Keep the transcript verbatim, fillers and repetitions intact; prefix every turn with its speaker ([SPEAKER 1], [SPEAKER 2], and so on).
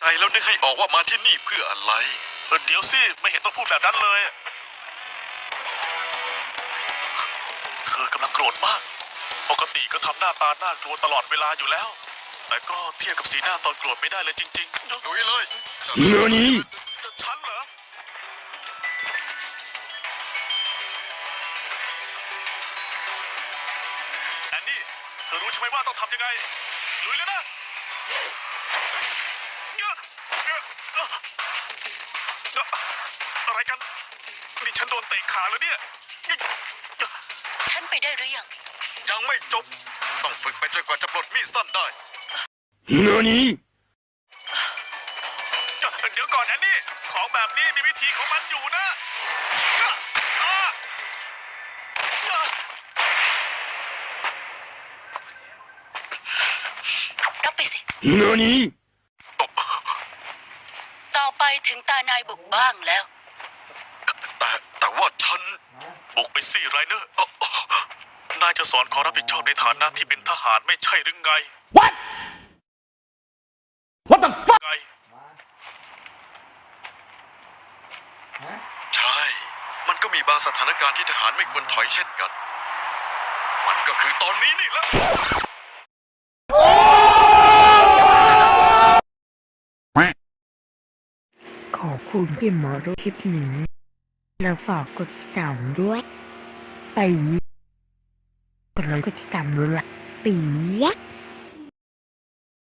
[SPEAKER 1] ไอแล้วนึกให้ออกว่ามาที่นี่เพื่ออะไร
[SPEAKER 2] เดี๋ยวสิไม่เห็นต้องพูดแบบนั้นเลยเธอกำลังโกรธมากปกติก็ทำหน้าตาน่ากลัวตลอดเวลาอยู่แล้วแต่ก็เทียบกับสีหน้าตอนโกรธไม่ได้เลยจริงๆ
[SPEAKER 1] ลุยเลย
[SPEAKER 3] นี่
[SPEAKER 2] ฉันเหรอแอนนี่เธอรู้ใช่ไหมว่าต้องทำยังไงลุยเลยนะอะไรกันนี่ฉันโดนเตะขาแล้วเนี่ย
[SPEAKER 4] ฉันไปได้หรือยัง
[SPEAKER 1] ยังไม่จบต้องฝึกไปจนกว่าจะปลดมีดสั้นได้
[SPEAKER 3] นี่
[SPEAKER 2] เดี๋ยวก่อนแอนนี่ของแบบนี้มีวิธีของมันอยู่นะ
[SPEAKER 4] รับไปสิ
[SPEAKER 3] นี่
[SPEAKER 4] ต่อไปถึงตานายบุกบ้างแล้ว
[SPEAKER 1] แต่แต่ว่าฉัน
[SPEAKER 2] บุกไปสิไรเนอร์นายจะสอนขอรับผิดชอบในฐานะที่เป็นทหารไม่ใช่หรือไง
[SPEAKER 3] What What the fuck
[SPEAKER 2] ไง
[SPEAKER 1] ใช่มันก็มีบางสถานการณ์ที่ทหารไม่ควรถอยเช่นกันมันก็คือตอนนี้นี่แหละ
[SPEAKER 5] ขอบคุณที่มาดูคลิปนี้แล้วฝากกดติดตามด้วยไปนี้กดไลค์กดติดตามด้วยล่ะปี๊ยะ